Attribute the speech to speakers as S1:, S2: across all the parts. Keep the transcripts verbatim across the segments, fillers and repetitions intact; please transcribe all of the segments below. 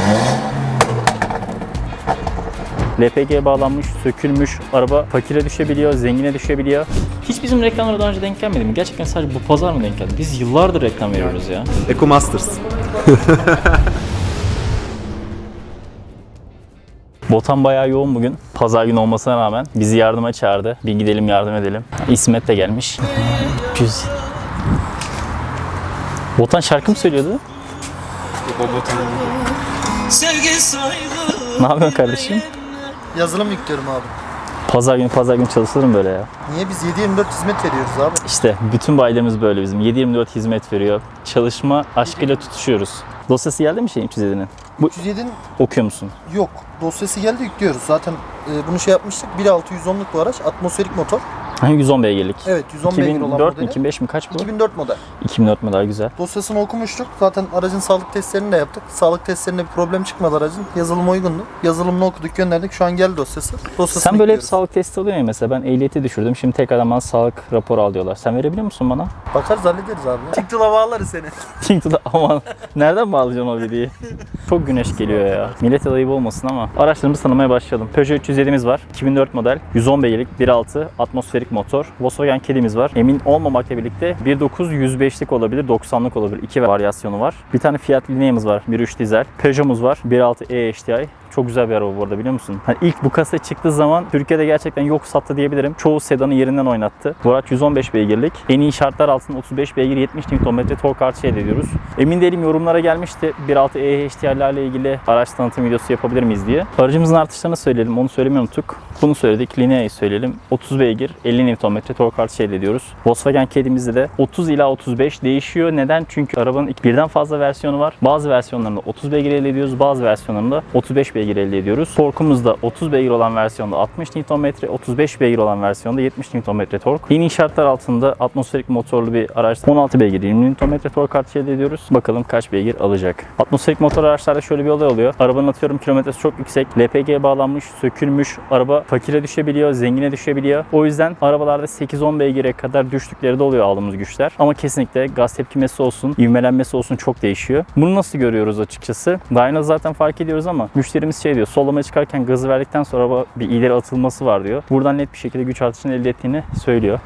S1: L P G bağlanmış, sökülmüş, araba fakire düşebiliyor, zengine düşebiliyor. Hiç bizim reklamlara daha önce denk gelmedi mi? Gerçekten sadece bu pazar mı denk geldi? Biz yıllardır reklam veriyoruz ya.
S2: EcoMasters.
S1: Botan bayağı yoğun bugün. Pazar günü olmasına rağmen bizi yardıma çağırdı. Bir gidelim yardım edelim. İsmet de gelmiş. Güzel. Botan şarkı mı söylüyordu? Ne yapıyorsun kardeşim?
S3: Yazılım yüklüyorum abi.
S1: Pazar günü pazar günü çalışırım böyle ya.
S3: Niye biz yedi yirmi dört hizmet veriyoruz abi?
S1: İşte bütün bayilerimiz böyle bizim. yedi yirmi dört hizmet veriyor. Çalışma aşkıyla tutuşuyoruz. Dosyası geldi mi şeyin üç yüz yedinin? Bu
S3: üç yüz yedinin
S1: okuyor musun?
S3: yok. Dosyası geldi yüklüyoruz. Zaten e, bunu şey yapmıştık. bir nokta altı yüz onluk bu araç. Atmosferik motor.
S1: yüz on beygirlik.
S3: Evet yüz on beygir olan
S1: iki bin dört mü
S3: modeli.
S1: iki bin beş mi kaç bu?
S3: iki bin dört model.
S1: iki bin dört model güzel.
S3: Dosyasını okumuştuk. Zaten aracın sağlık testlerini de yaptık. Sağlık testlerinde bir problem çıkmadı aracın. Yazılım uygundu. Yazılımını okuduk gönderdik. Şu an geldi dosyası. Dosyasını
S1: Sen böyle hep
S3: yüklüyoruz.
S1: sağlık testi alıyorsun ya mesela. Ben ehliyeti düşürdüm. Şimdi tekrardan bana sağlık raporu al diyorlar. Sen verebiliyor musun bana?
S3: Bakarız hallederiz abi. TikTok'a bağlarız seni.
S1: TikTok'ta aman nereden bağlayacağım o videoyu? Çok güneş geliyor ya. Millete de ayıp olmasın ama. Araçlarımızı tanımaya başlayalım. Peugeot üç yüz yedi'miz var. iki bin dört model. yüz on beygirlik bir nokta altı atmosferik motor. Volkswagen Caddy'miz var. Emin olmamakla birlikte bir nokta dokuz yüz beşlik olabilir, doksanlık olabilir. İki varyasyonu var. Bir tane Fiat Linea'mız var. bir nokta üç dizel. Peugeot'umuz var. bir nokta altı E H D I. Çok güzel bir araba bu arada biliyor musun? Hani ilk bu kasa çıktığı zaman Türkiye'de gerçekten yok sattı diyebilirim. Çoğu sedanı yerinden oynattı. Bu araç yüz on beş beygirlik. En iyi şartlar altında otuz beş beygir yetmiş Newton metre tork artışı elde ediyoruz. Emin değilim yorumlara gelmişti. bir nokta altı E H D I ile ilgili araç tanıtım videosu yapabilir miyiz diye. Aracımızın artışlarını söyleyelim. Onu söylemeyi unuttuk. Bunu söyledik. Linea'yı söyleyelim. otuz beygir elli Newton metre tork artışı elde ediyoruz. Volkswagen Caddy'mizde de otuz ila otuz beş değişiyor. Neden? Çünkü arabanın birden fazla versiyonu var. Bazı versiyonlarında otuz beygir elde ediyoruz. Bazı versiyonlarında otuz beş beygir elde ediyoruz. Torkumuz da otuz beygir olan versiyonda altmış Newton metre, otuz beş beygir olan versiyonda yetmiş Newton metre tork. Yeni şartlar altında atmosferik motorlu bir araçta on altı beygir yirmi Newton metre tork artışı elde ediyoruz. Bakalım kaç beygir alacak. Atmosferik motor araçlarda şöyle bir olay oluyor. Arabanın atıyorum kilometresi çok yüksek. L P G bağlanmış, sökülmüş. Araba fakire düşebiliyor, zengine düşebiliyor. O yüzden arabalarda sekiz on beygire kadar düştükleri de oluyor aldığımız güçler. Ama kesinlikle gaz tepkimesi olsun, ivmelenmesi olsun çok değişiyor. Bunu nasıl görüyoruz açıkçası? Dyno zaten fark ediyoruz ama müşterimiz şey diyor. Sollamaya çıkarken gazı verdikten sonra araba bir ileri atılması var diyor. Buradan net bir şekilde güç artışını elde ettiğini söylüyor.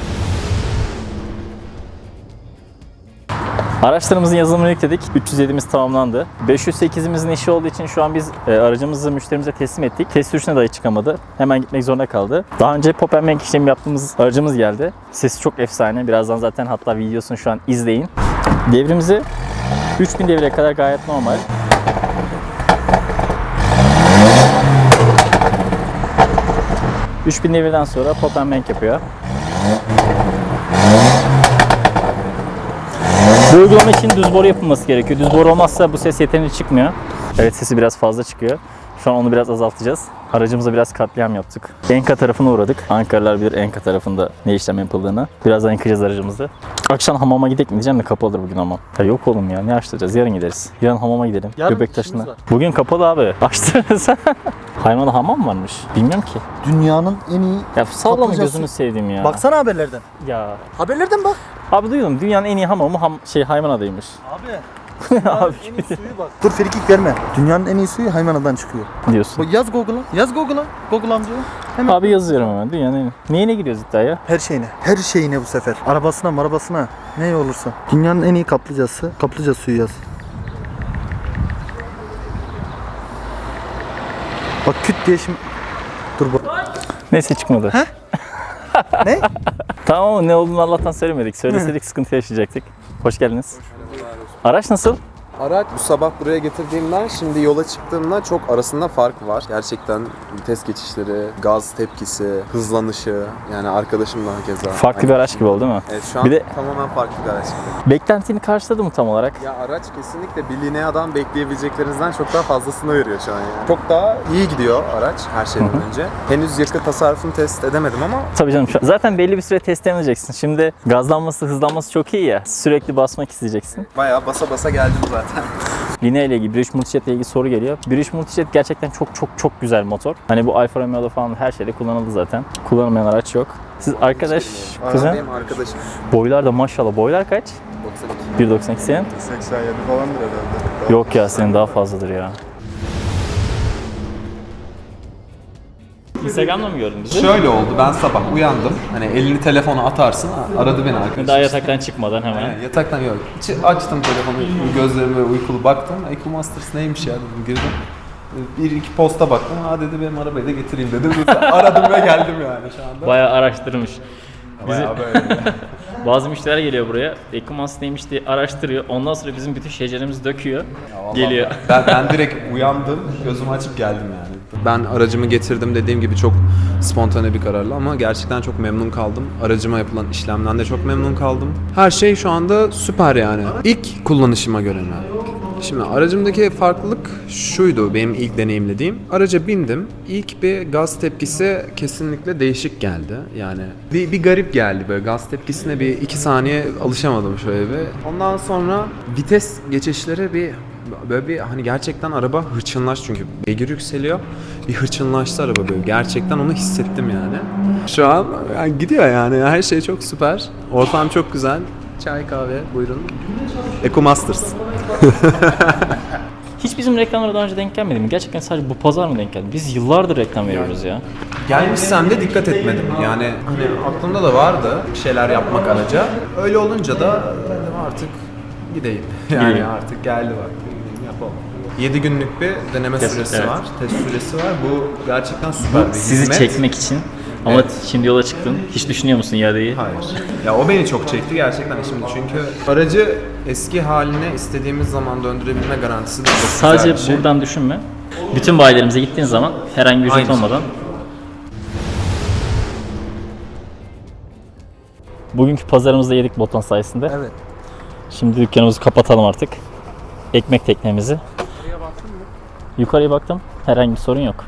S1: Araçlarımızın yazılımını yükledik. üç yüz yedi'miz tamamlandı. beş yüz sekiz'imizin işi olduğu için şu an biz e, aracımızı müşterimize teslim ettik. Test sürüşüne dahi çıkamadı. Hemen gitmek zorunda kaldı. Daha önce pop and bank işlemi yaptığımız aracımız geldi. Sesi çok efsane. Birazdan zaten hatta videosunu şu an izleyin. Devrimizi üç bin devreye kadar gayet normal. üç bin devirden sonra pop and bank yapıyor. Bu uygulama için düz boru yapılması gerekiyor. Düz boru olmazsa bu ses yeterince çıkmıyor. Evet sesi biraz fazla çıkıyor. Şu an onu biraz azaltacağız. Aracımıza biraz katliam yaptık. Enka tarafına uğradık. Ankaralılar bilir Enka tarafında ne işlem yapıldığını. Birazdan yıkayacağız aracımızı. Akşam hamama gidelim mi diyeceğim de kapalıdır bugün hamam. Ya yok oğlum ya ne açtıracağız yarın gideriz. Yarın hamama gidelim.
S3: Yarın
S1: Göbektaşı'na.
S3: işimiz var.
S1: Bugün kapalı abi. Açtırırız. Haymana hamam varmış. Bilmiyorum ki.
S3: Dünyanın en iyi
S1: Ya sallama
S3: kaplıcası.
S1: gözünü sevdiğim ya.
S3: Baksana haberlerden.
S1: Ya.
S3: Haberlerden bak.
S1: Abi duydum dünyanın en iyi hamamı ham şey Haymana'daymış.
S3: Abi.
S1: Abi
S3: En iyi suyu bak. Dur frikik verme. Dünyanın en iyi suyu Haymana'dan çıkıyor.
S1: diyorsun.
S3: Bak yaz Google'a. Yaz Google'a. Google amca. Hemen.
S1: Abi yazıyorum hemen dünyanın en iyi. Neyine gidiyoruz iddiaya?
S3: Her şeyine. Her şeyine bu sefer. Arabasına marabasına. Ne olursa. Dünyanın en iyi kaplıcası. Kaplıca suyu yaz. Bak küt diye şimdi. Dur bak.
S1: Neyse çıkmadı.
S3: He? Ne?
S1: Tamam ama ne olduğunu Allah'tan söylemedik. Söyleseydik sıkıntı yaşayacaktık. Hoş geldiniz. Araç nasıl?
S2: Araç bu sabah buraya getirdiğimden şimdi yola çıktığımda çok arasında fark var. Gerçekten vites geçişleri, gaz tepkisi, hızlanışı yani arkadaşım daha keza.
S1: Farklı bir araç gibi oldu değil mi?
S2: Evet şu an
S1: Bir de-
S2: tamamen farklı bir araç gibi.
S1: Beklentini karşıladı mı tam olarak?
S2: Ya araç kesinlikle bir Linea'dan bekleyebileceklerinizden çok daha fazlasını veriyor şu an yani. Çok daha iyi gidiyor araç her şeyden önce. Henüz yakıt tasarrufunu test edemedim ama
S1: Tabii canım. şu- Zaten belli bir süre test edeceksin. Şimdi gazlanması, hızlanması çok iyi ya. Sürekli basmak isteyeceksin.
S2: bayağı basa basa geldim zaten.
S1: Linea ile ilgili, British Multijet ile ilgili soru geliyor. British Multijet gerçekten çok çok çok güzel motor. Hani bu Alfa Romeo'da falan her şeyde kullanıldı zaten. Kullanılmayan araç yok. Siz arkadaş,
S2: Aa,
S1: kuzen,
S2: benim arkadaşım.
S1: boylar da maşallah. Boylar kaç?
S2: doksan iki.
S1: bir doksan iki senin?
S4: seksen yedi falandır herhalde.
S1: Yok ya senin daha fazladır ya. Instagram'da mı gördün bizi?
S2: Şöyle oldu, ben sabah uyandım. Hani elini telefona atarsın, aradı beni arkadaşım.
S1: Daha yataktan çıkmadan hemen.
S2: Yani yataktan yok. Ç- Açtım telefonu, gözlerimi böyle uykulu baktım. EcoMasters neymiş ya dedim, girdim. Bir iki posta baktım, ha dedi benim arabayı da getireyim dedim. Aradım ve geldim yani şu anda.
S1: Bayağı araştırmış.
S2: Bayağı böyle.
S1: Bazı müşteriler geliyor buraya, EcoMaster neymiş diye araştırıyor. Ondan sonra bizim bütün şeceremizi döküyor, geliyor.
S2: Ben, ben direkt uyandım, gözümü açıp geldim yani. Ben aracımı getirdim, dediğim gibi çok spontane bir kararla ama gerçekten çok memnun kaldım. Aracıma yapılan işlemden de çok memnun kaldım. Her şey şu anda süper yani. İlk kullanışıma göre yani. Şimdi aracımdaki farklılık şuydu benim ilk deneyimlediğim. Araca bindim. İlk bir gaz tepkisi kesinlikle değişik geldi. Yani bir, bir garip geldi böyle gaz tepkisine bir iki saniye alışamadım şöyle bir. Ondan sonra vites geçişleri bir böyle bir hani gerçekten araba hırçınlaş çünkü beygir yükseliyor. Bir hırçınlaştı araba böyle. Gerçekten onu hissettim yani. Şu an yani gidiyor yani. Her şey çok süper. Ortam çok güzel. Çay kahve buyurun. EcoMasters.
S1: Hiç bizim reklamlara daha önce denk gelmedi mi? Gerçekten sadece bu pazar mı denk geldi? Biz yıllardır reklam veriyoruz ya.
S2: Gelmişsem de dikkat etmedim. Yani hani aklımda da vardı bir şeyler yapmak araca. Öyle olunca da dedim artık gideyim. Yani
S1: Gideyim.
S2: artık geldi vakti. Yapalım. yedi günlük bir deneme
S1: Test,
S2: süresi
S1: evet.
S2: var. Test süresi var. Bu gerçekten süper bir
S1: Sizi
S2: hizmet.
S1: çekmek için. Ama
S2: Evet.
S1: şimdi yola çıktın. Hiç düşünüyor musun iadeyi?
S2: Hayır. Ya o beni çok çekti gerçekten şimdi çünkü aracı eski haline istediğimiz zaman döndürebilme garantisi de çok
S1: Sadece
S2: güzel bir şey.
S1: buradan düşünme. Bütün bayilerimize gittiğin zaman herhangi bir ücret
S2: Aynı şey.
S1: olmadan. Bugünkü pazarımızda yedik Botan sayesinde.
S3: Evet.
S1: Şimdi dükkanımızı kapatalım artık. Ekmek teknemizi. Yukarıya baktın mı? Yukarıya baktım. Herhangi bir sorun yok.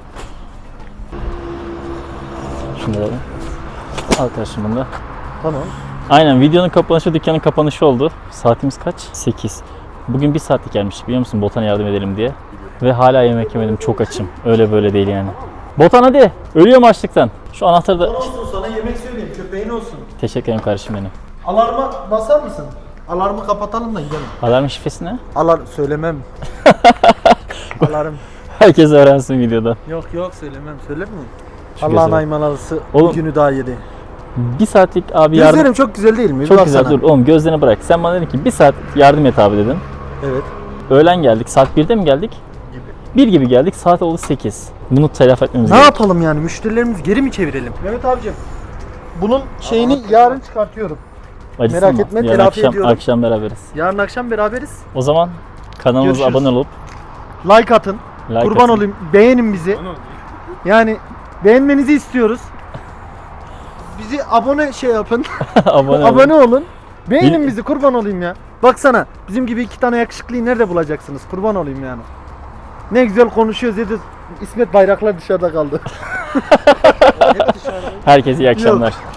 S1: Şunu da al kardeşim bunu da.
S3: Tamam.
S1: Aynen videonun kapanışı dükkanın kapanışı oldu. Saatimiz kaç? sekiz. Bugün bir saatlik gelmiş biliyor musun Botan'a yardım edelim diye. Ve hala yemek yemedim, çok açım. Öyle böyle değil yani. Botan hadi. Ölüyorum açlıktan. Şu anahtarı da...
S3: Olsun sana yemek söyleyeyim köpeğin olsun.
S1: Teşekkür ederim kardeşim benim.
S3: Alarma basar mısın? Alarmı kapatalım da gidelim.
S1: Alarm şifresi ne?
S3: Alar söylemem. Alarm.
S1: Herkes öğrensin videodan.
S3: Yok yok söylemem. Söyler mi?
S1: Şu
S3: Allah'ın
S1: gözlere.
S3: aymalısı
S1: Oğlum,
S3: günü daha yedi.
S1: Bir saatlik abi yardım...
S3: Gözlerim çok güzel değil mi?
S1: Çok
S3: Bak
S1: güzel
S3: sana.
S1: dur oğlum gözlerini bırak. Sen bana dedin ki bir saat yardım et abi dedin.
S3: Evet.
S1: Öğlen geldik. Saat birde mi geldik? bir gibi geldik. Saat oldu sekiz. Bunu telafi etmemiz
S3: Ne
S1: gerekiyor.
S3: yapalım yani? Müşterilerimizi geri mi çevirelim? Mehmet abicim. Bunun şeyini yarın çıkartıyorum.
S1: Acısın
S3: merak
S1: mı?
S3: etme,
S1: Yarın
S3: telafi
S1: akşam,
S3: ediyorum.
S1: akşam beraberiz.
S3: Yarın akşam beraberiz.
S1: O zaman kanalımıza
S3: Görüşürüz.
S1: abone olup
S3: Like atın.
S1: like
S3: Kurban
S1: atın.
S3: olayım. Beğenin bizi. Yani beğenmenizi istiyoruz. Bizi abone şey yapın.
S1: abone, olun.
S3: Abone olun. Beğenin
S1: Bir-
S3: bizi kurban olayım ya. Baksana bizim gibi iki tane yakışıklıyı nerede bulacaksınız? Kurban olayım yani. Ne güzel konuşuyoruz dedi. İsmet Bayraklar dışarıda kaldı.
S1: Herkese iyi akşamlar.